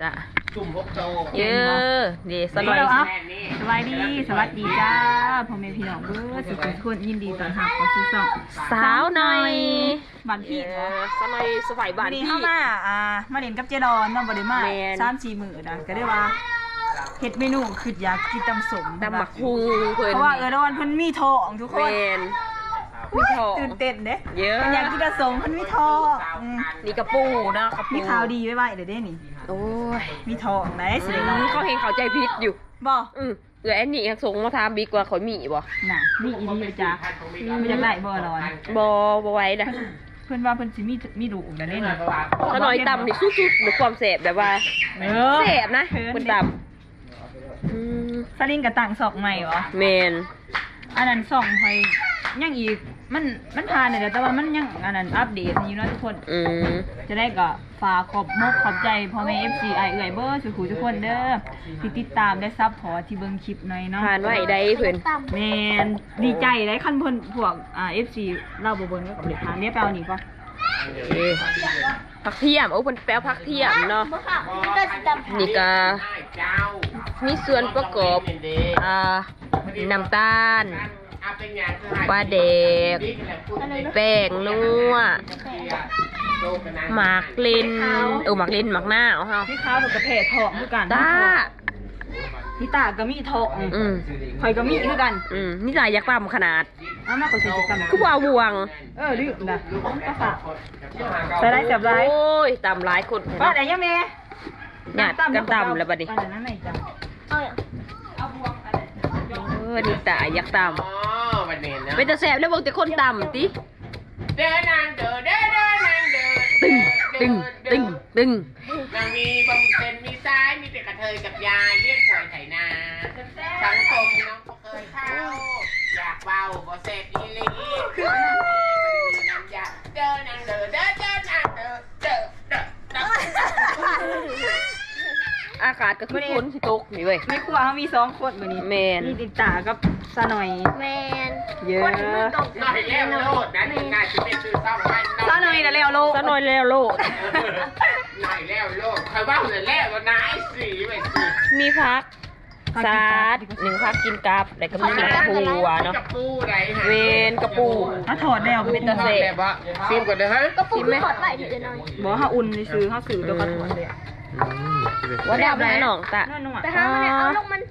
จ้ะจุ่มพกโตเยอะดีสบายสบายดีสวัสดีจ้าพ่อแม่พี่น้องเบ้อสุขทุกคนยินดีต้อนรับเข้าสู่ช่องสาวหน่อยบ้านพี่สมัยสมัยบ้านพี่เข้ามาเล่นกับเจดอนน้องบ่ได้มา3-4 มื้อนะก็ได้ว่าเฮ็ดเมนูคืออยากกินตำสมตำหมักฮูเพิ่นเพราะว่าดอนเพิ่นมีท้องทุกคนมีท้องตื่นเต้นเด้เยอะอยากกินตำสมเพิ่นมีท้องนี่กระปูเนาะกระปูมีข่าวดีไว้เด้นี่โอ้ยมีท้องได้สิเนาะเขาเห็นเขาใจผิดอยู่บ่แอนนี่ส่งมาถามบิ๊กว่าเขามีบ่น่ะมีอีดีจ้ะบ่อยากได้บ่ดอนบ่ไหวนะเพิ่นว่าเพิ่นสิมีลูกได้เล่นถ้าน้อยต่ำนี่สุดๆด้วยความแสบแบบว่าแสบนะเพิ่นต่ำสลิงกับต่างศอกใหม่เหรอแมนอันนั้นส่องคอยยังอีกมันผ่านเลยแต่ว่ามันยังอันนั้นอัปเดตอยู่นะทุกคนจะได้ก็ฝากขอบใจพ่อแม่ FC เอื่อยเบอร์สุขุทุกคนเด้อที่ติดตามได้ซับพอที่เบิ่งคลิปหน่อยเนาะผ่านไว้ได้เพิ่นแมนดีใจได้คันเพิ่นพวกFC เล่าบ่เบิ่งก็กับเด็กทานเนี่ยไปเอานี่ก่อนผักเทียมเพิ่นแป้วผักเทียมเนาะนี่ก็มีส่วนประกอบน้ำตาลปลาแดกแป้งนัวหมากเลนหมากเลนหมากหน้าเอาพี่ข้าวกับกระเพาะทองคือกันพี่ตาก็มีทองข่อยก็มีคือกันนี่จ่ายยักษ์ต่ำขนาดมากกว่า40 กรัมคือว่าบวงดื้อนะก็ฝากใส่ไรเสียบไรโอ้ยต่ำหลายคนป้าไหนยังเมย์หยาดกันต่ำแล้วบัดนี้นี่ตายักษ์ต่ำเป็นตาแสบแล้วบอกแต่คนต่ำติเดินนางเดินเดินนางเดินตึงนางมีบำเพ็ญมีซ้ายมีแต่กระเทยกับยายเรียกหวยไถนาสังคมน้องก็เคยเข้าอยากเบาบ่เสพอีลีคือมีน้ำยาเดินนางเดินเดินนางเดินอากาศก็คือฝนสิตกนี่เว้ยในครัวเขามี2 คนแบบนี้แมนมีติดตากับสะหน่อยแมนเยอะหน่อยแล้วโลดนะง่ายจะเป็นซื้อซ่อมไว้สะหน่อยแล้วโลดสะหน่อยแล้วโลดหน่อยแล้วโลดใครว่าเลยแล้วนะไอ้สีไปสิมีพักซาด1พักกินกับแล้วก็มีกระปูเนาะกระปูไรเวนกระปูถ้าถอดแล้วเป็นตะเสบซิมก่อนนะฮะกระปูถอดไปทีเดียวหน่อยบอกเขาอุ่นซื้อเขาสื่อตัวกระถอดเลยว่าได้ไหมน้องตะแต่ถ้ามันเอาลงมัน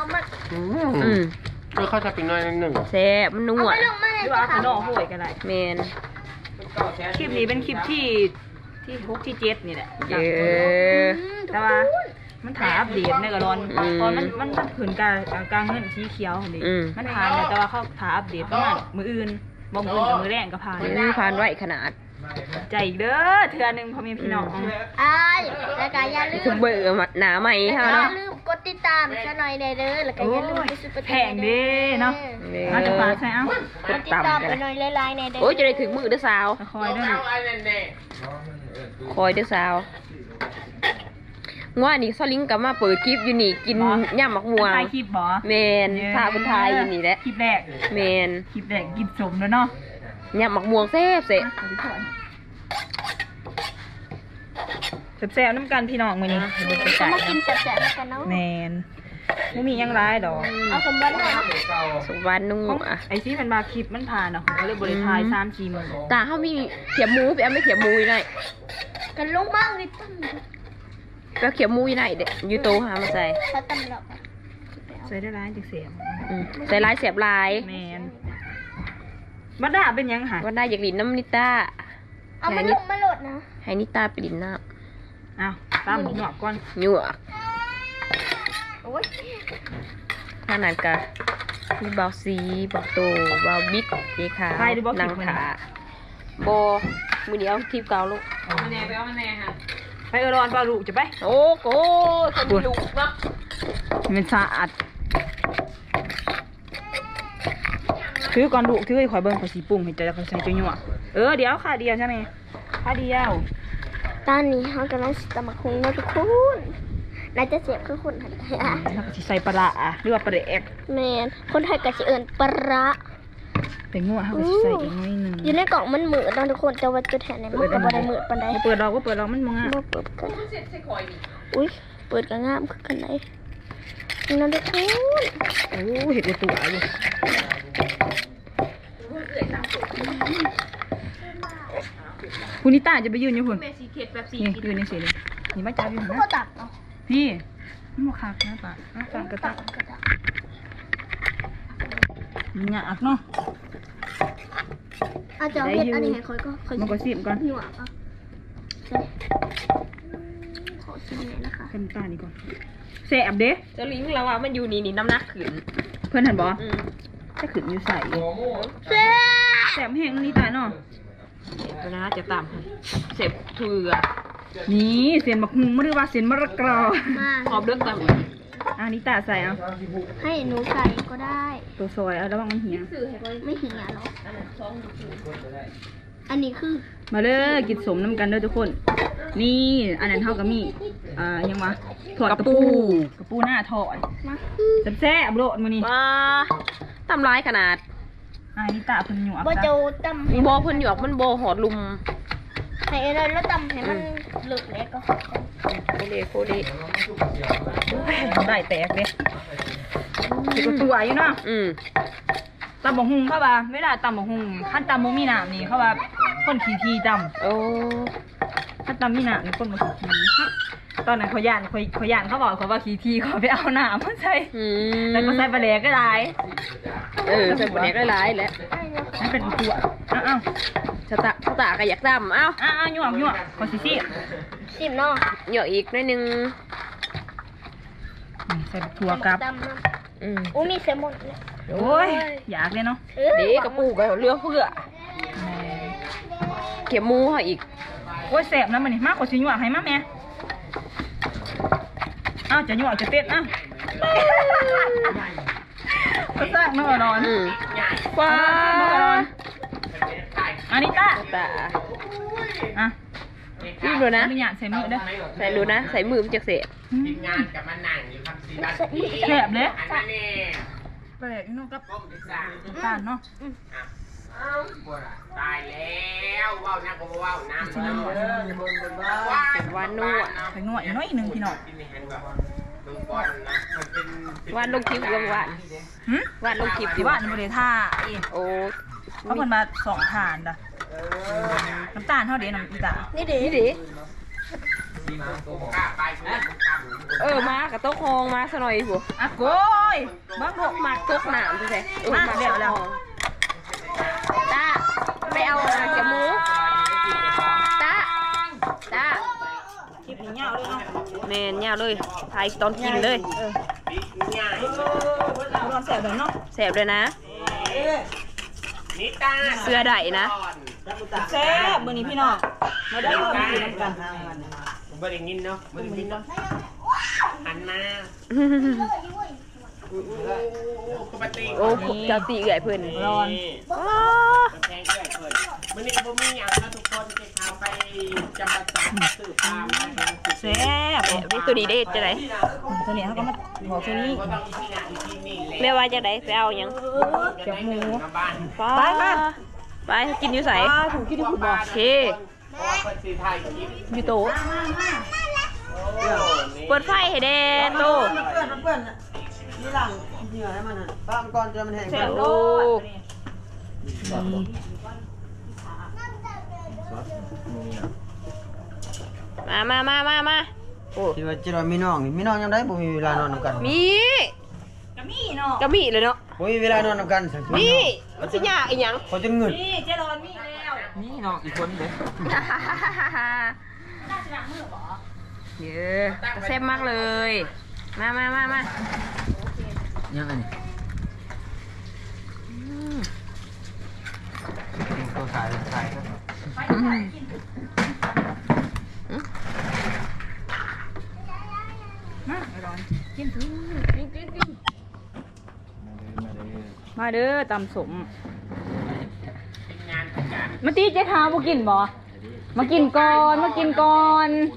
เขาจะเป็นน้อยนึงแซ่บมันนัวหรือว่าขนมห่วยกันได้เมนคลิปนี้เป็นคลิปที่6 ที่ 7นี่แหละแต่ว่ามันถ่ายอัปเดตในกระดอนตอนมันผืนกลางเงินสีเขียวนี่มันผ่านแต่ว่าเขาถ่ายอัปเดตประมาณมืออื่นบ่มืออื่นกับมือแรงก็ผ่านไว้ขนาดใจอีกเด้อเทื่อนึงพ่อแม่พี่น้องแล้วก็อย่าลืมเบื่อหนาใหม่ค่ะอย่าลืมกดติดตามซะหน่อยเด้อแล้วก็อย่าลืมไปซื้อแพงเด้เนาะมาจะฝากใช่เอ้ากดติดตามไปหน่อยหลายๆในเด้อโอ้ยจะได้ถึงมือเด้อสาวคอยเด้อสาวว่านี่ซอลิงกับมาเปิดคลิปอยู่นี่กินย่ำหมักม่วงถ่ายคลิปบ่เมนพาคนไทยอยู่นี่แหละคลิปแรกเมนคลิปแรกกินสมแล้วเนาะย่ำหมักม่วงแซ่บแซ่บน้ำกันพี่น้องมื้อนี้ก็มากินแซ่บๆกันเนาะแมนบ่มียังร้ายดอกเอาสมบัติหน่อยสมบัตินุ่งไอ้ที่มันมาคลิปมันผ่านเนาะก็เลยบ่ได้ถ่าย3-4 มื้อตาเฮามีเขียบหมูไปเอาไม่เขียบหมูได้กันลงมากเลยตั้งก็เขียบหมูได้เด้อยู่โตหามาใส่ใส่ได้ร้ายจังเสียบใส่ลายเสียบลายแมนบัดดาเป็นยังหะบัดดาอยากดินน้ำนิต้าเอามันลงมาโหลดนะให้นิต้าไปดินน้ำตามหนวกก่อนหนวกขนาดกะมีเบาซีเบาโตเบาบิ๊กดีค่ะนางขาโบมือเดียวทีบเกาลูกมันแน่ไปเอามันแน่ค่ะไปรอนปลาลูกจะไปโอ้โหคนมีลูกเนาะมันสะอาดถือก่อนลูกถือข่อยเบิ้งข่อยสีปุ่งเห็นใจแล้วข่อยใส่จุ๊ยเดี๋ยวค่ะเดียวใช่ไหมค่ะเดียวตอนนี้เขากำลังตำบักหุ่งนะทุกคนนายจะเสียบคือคนไทยแล้วก็ใส่ปลาหรือว่าปลาเอ็กแมนคนไทยก็จะเอิญปลาแต่งัวเขาก็สิใส่อีกน้อยหนึงอยู่ในกล่องมันมืดนะทุกคนแต่ว่าตัวแทนเนี่ยมันก็บ่ได้มืดปานใดเปิดดอกว่าเปิดดอกมันมองอ่ะบ่เปิดกันอุ้ยเปิดก็งามคือกันไหนนั่นทุกคนโอ้เห็ดตัวอยู่คุณนิต้าจะไปยืนอยู่คุณแม่สีเข็ดแบบสีนี่ยืนในสีเลยนี่มาจับอยู่ก็นะตัดเนาะพี่มันมาคักนะปะฟังกระตักมันหยาบเนาะอาจจะเฮ็ดอันนี้ให้ค่อยก็ค่อยมันก็สิบก่อนหยวกอ่ะขอชิมหน่อยนะคะเพิ่นตานี่ก่อนแสบเด้เจ้าลิงเราว่ามันอยู่นี่น้ำหนักขึ้นเพื่อนเห็นบ่อืมจะขึ้นอยู่ใส่เซ่แสบแห้งนี่ตาเนาะเดี๋ยวนะจะตามให้เสพเถื่อนี่เสียนบักฮุงไม่ได้ว่าเสียนมะระกรอมาขอบเลือกตามอันนี้ตาใส่เอาให้หนูใส่ก็ได้ตัวซอยเอาระวังมันเหี่ยไม่หิงอ่ะหรออันนี้คือมาเลยกินสมน้ำกันเด้อทุกคน นี่อันนั้นเท่ากับมียังวะถอดกระปูหน้าถอดมาแซ่บๆโลดมานี่มาตำร้ายขนาดอันนี้ตาเพิ่นหยวกบ่จ้ะโจตำให้โบเพิ่นหยอกมันโบหอดลุมให้อะไรแล้วตำให้มันหลุดเล็กก็โคเลโคเลได้แตกเด้ติดตัวอยู่เนาะอืมตำบักฮุงเขาว่าเวลาตำบักฮุงขั้นตำบ่มีน้ำนี่เขาว่าคนขี้ทีตำโอ้ขั้นตำมีน้ำนี่คนบ่ขี้ทีตอนนั้นเขาย่านเขาบอกเขาว่าขี้ทีเขาไปเอาน้ำมาใส่อืมแล้วก็ใส่ปลาแหลกก็ได้ใส่บนเน็กหลายๆแหล้วนั่นเป็นตัวอ้าวชะตาก็อยากตำเอ้าหยวกขอสิสิบเนาะหยอกอีกหนิดนึงใส่ถั่วกับตำเนาะอืมอู้มีเซลมอนเลยโอ้ยอยากเลยเนาะเด็กกระปูกับเรือเพื่อเก็บหมูเขาอีกโอ้ยแสบนะมันนี่มากกว่าสิหยวกให้มาแม่อ้าวจะหยวกจะเต้นอ้าวก็สร้างนอนนอนอืมว้าอันนี้ตาตาอ่ะรีบเลยนะอนุญาตใส่มือเด้อใส่รู้นะ ใส่มือมันจะเสพทีมงานกับมันนั่งอยู่ครับสีบัตรดีแสบเลยอันนั้นเองแปลกเนาะกับก้มไปสั่งตาลเนาะตายแล้วว้าวนะก็ว้าวน้ำว้าวเป็นวานนวดใส่หน่อยน้อยหนึ่งพี่น้องกินในแฮนด์แบบเบิ่งบอลนะมันเป็นวานลงคลิปกลางวันหึวานลงคลิปที่ว่าในบริท่าเองโอ้เขาคนมา2 ฐานด่ะน้ำตาลเท่าเดียวน้ำอีตานี่ดินี่ดิกล้าไปกูกล้ามากับโต๊ะคองมาซะหน่อยผัวอ่ะโกยบ้างโกมากโต๊ะหนามใช่ไหมมาแล้วตาไปเอาเกี่ยวหมูตาคลิปนี้ยาวเลยเนาะแมนยาวเลยถ่ายตอนกินเลยง่ายร้อนแสบเลยเนาะแสบเลยนะนิตาเสื้อใดนะแซ่บมื้อนี้พี่น้องมาได้มากินน้ำกันผมไม่ได้ยินเนาะไม่ได้ยินเนาะหันมาปกติโอ้เจ้าตีเอื่อยเพื่อนร้อนว้าแพงเกินเกินมันนี่ผมมีอย่างนะทุกคนจะพาไปจำปาสักสื่อตามแซ่บวิตัวนี้ได้จะไหนตัวนี้เขาก็มาบอกตัวนี้ก็ต้องอีที่นั่นอีที่นี่แหละแม่ว่าจะไหนไปเอายังเก็บหมูบ้านไปกินอยู่ใส่ถูกกินที่คุณบอกโอเคเพราะว่าคนสีไทยคลิปอยู่โต๊ะเปิดไฟให้แดนโตนี่หลังเหงื่อให้มันอ่ะตามก่อนจะมันแห้งแซ่บโลดมาโอ้ที่ว่าจะมีน้องนี่มีน้องยังได้บ่มีเวลานอนนำกันมีกะมี่เนาะก็มีเลยเนาะบ่มีเวลานอนนำกันสักทีมีมันสิยากอีหยังพอจะเงินนี่เจรอนมีแล้วนี่น้องอีกคนเด้เยอะแซ่บมากเลย มายังไงนี่ตัวขายครับมาร้อนกินถึงมาเด้อตำสมงานประจำมาตีเจ๊ขาวมากินบ่มากินก่อนมากินก่อน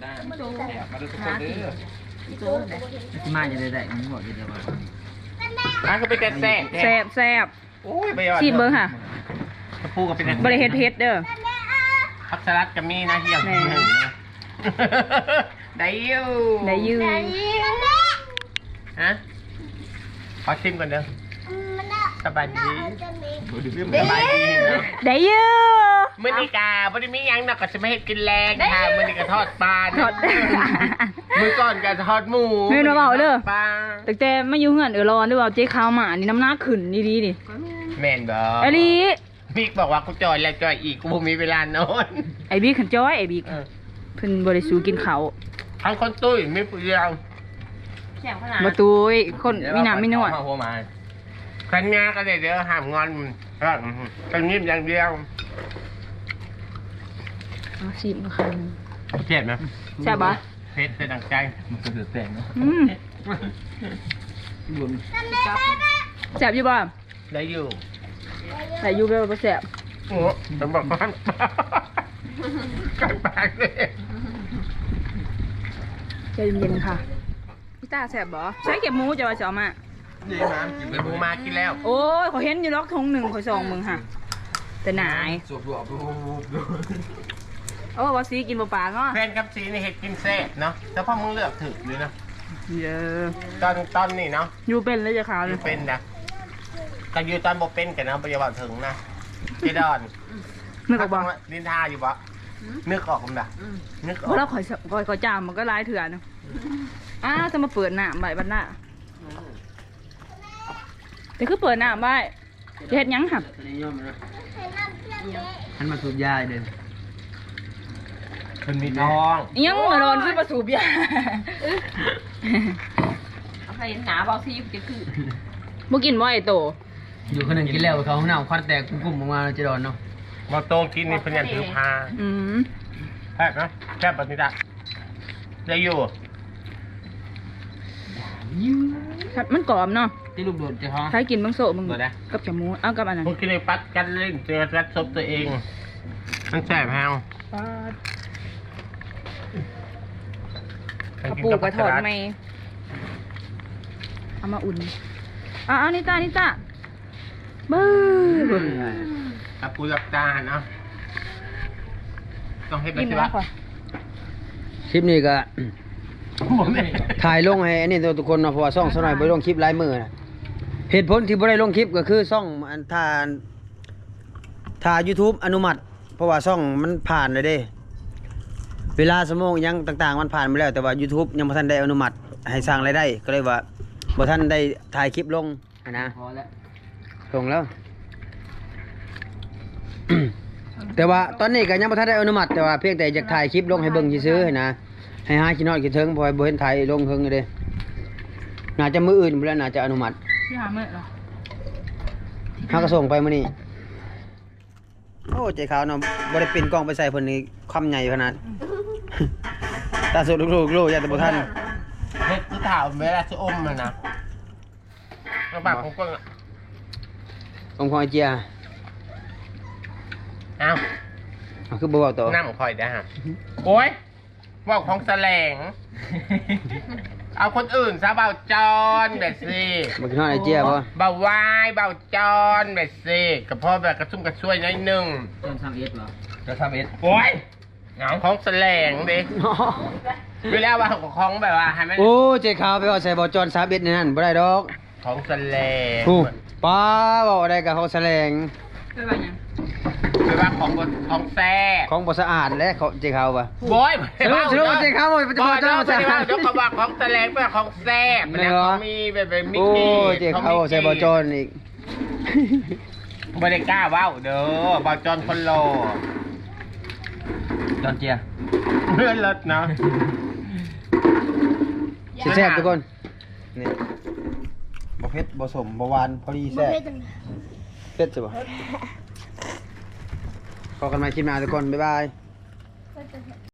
มาจะได้มันบอกจะได้ว่ามันก็เป็นแต่แซ่แซ่บโอ้ยไปชิมเบิ้งค่ะกระปูก็เป็นบริเฮ็ดเพชรเด้อผักสลัดก็มีนะเฮียงแม่หนึ่งนะได้อยู่ได้อยืมฮะขอชิมก่อนเด้อสบายดีสบายดีเนาะได้อยืมมื้อนี้กาบ่ได้มีหยังเนาะก็สิมาเฮ็ดกินแรงค่ะมื้อนี้ก็ทอดปลาทอดมื้อก่อนก็ทอดหมูแม่นบ่เว้าเด้อปลาแต่มาอยู่เฮือนร้อนด้วยว่าเจ๊ขาวหมานี่น้ำหนักขึ้นดีๆนี่แม่นบ่ไอ้ลีมิกบอกว่ากูจอยแล้วจอยอีกกูบ่มีเวลานอนไอ้บิ๊กขันจ้อยไอ้บิ๊กเพิ่นบ่ได้สู้กินข้าวทั้งคนตุ้ยไม่เปลืองบ่ตุ้ยคนมีน้ำมีนวดหัวมาคันงาก็ได้เดี๋ยวห้ามงอนกันนิ่มอย่างเดียวเอาชิมค่ะเจ็บไหมแซ่บบ่เผ็ดเป็นดังใจมันก็เดือดแตงเนาะอืมแซ่บอยู่บ่ได้อยู่แต่อยู่แบบบ่แซ่บโอ้ผมบอกว่ากันปากเลยใจเย็นๆค่ะพี่ตาแซ่บบ่ใช้เก็บหมูจะว่าสิเอามานี่มากินเป็นหมูมากินแล้วโอ้ยขอยเห็นอยู่ล็อกทงหนึ่งขอย2มึงค่ะแต่หนายโอ้ว่าสิกินบ่ปากเนาะแฟนกับซีนี่เห็ดกินเซ่เนาะแต่พ่อมึงเลือกถึกเลยนะเด้อตอนนี่เนาะอยู่เป็นเลยจ้ะขาวอนี่ยู่เป็นนะก็อยู่ตอนบ่เป็นกันนะปัจจุบันถึงนะเจดอนนึกออกบ่นินทาอยู่บ่นึกออกมั้ยนะนึกออกเพราะเราขอยจามมันก็หลายเถื่อนะจะมาเปิดหน้าใบบันหน้าแต่คือเปิดหน้าใบจะเฮ็ดหยังหับอันมาสูบยาเด่นมันมีท้องอิหยังมาโดนคือประสูบยาเอาใครหนาเบาซีจะคือบ่กินบ่ไอ้โตอยู่คนหนึ่งกินแล้วเขาห้องน้ำควันแตกกุ้มๆออกมาจะโดนเนาะมาโตกินนี่เป็นอย่างถือพาอืมแซ่บนะแซ่บแบบนี้จ้ะได้อยู่ครับมันกรอบเนาะที่ลูกโดดจะท้องใครกินบังโซมึงกับจมูกเอากับอันนั้นมึงกินในปัดกันเล่นเจอรัดซบตัวเองมันแซ่บแฮวกระปูกระถอดไหมเอามาอุ่นเอานิตาเบ้อกับปูรับตาเนาะต้องให้ไปกินสิแล้ววะค่ะคลิปนี้ก็ผมเนี่ยถ่ายลงให้อันนี้ทุกคนเนาะเพราะว่าซ่องสน้อยบ่ได้ลงคลิปหลายมื้อนะเหตุผลที่บ่ได้ลงคลิปก็คือซ่องอันถ้า YouTube อนุมัติ เพราะว่าซ่องมันผ่านเลยเด้ เวลาสมองยังต่างๆมันผ่านมาแล้วแต่ว่า YouTube ยังบ่ทันได้อนุมัติให้สร้างรายได้ก็เลยว่าบ่ทันได้ถ่ายคลิปลงนะพอแล้วลงแล้ว แต่ว่าตอนนี้ก็ยังบ่ทันได้อนุมัติแต่ว่าเพียงแต่อยากถ่ายคลิปลงให้เบิ่งซื่อๆนะให้หาคิดฮอดคิดถึงเพราะว่าบ่เห็นถ่ายลงเฮิงอยู่เด้น่าจะมื้ออื่นพุ่นแหล้วน่าจะอนุมัติที่หาเมื่อเหรอเฮาก็ส่งไปมื้อนี้โอ้ใจขาวเนาะบ่ได้ปิ่นกล้องไปใส่เพิ่นนี่คำใหญ่ขนาด ตาสุดลูกๆอย่าแต่บ่ทันเฮ็ดคือถามเวลาจะอมมันนะกระบะของกล้องอะองค์ของไอเจียเอ้าเอาคือบ่เว้าต่อน้ำคอยได้ฮะโอ้ยว่าของแสลง เอาคนอื่นซะเบาจอนแบบสิบ่คิดฮอดไอเจียบ่เบาวายเบาจอนแบบสิกับพ่อแบบกระชุ่มกระชวยน้อยหนึงต้น3 S บ่จะ3 S โอ้ยเหงาของแสลงดิเวลาว่าของแบบว่าให้มันโอ้ใจขาวไปเอาใส่บ่จอน3 S นี่นั่นบ่ได้ดอกของแสลงถูกป้าเว้าได้กับเขาแสลงไปว่าหยังเวลาของแซ่ของบ่สะอาดและเขาใจขาวบ่โว้ยสรุปใจขาวบ่จะบ่จอนบ่สะอาดเดี๋ยวเขาบอกของแสลงเป็นของแซ่บเป็นของมีแบบมิกโอ้กี้ใจขาวใส่บ่จอนอีกบ่ได้กล้าเว้าเด้อบ่จอนคนโลจอนเจียเลื่อนรถเนาะแซ่บทุกคนนี่บ่เผ็ดบ่สมบ่หวานพอดีแซ่บเผ็ดใช่บ่พอกันใหม่คลิปหน้าทุกคนบ๊ายบาย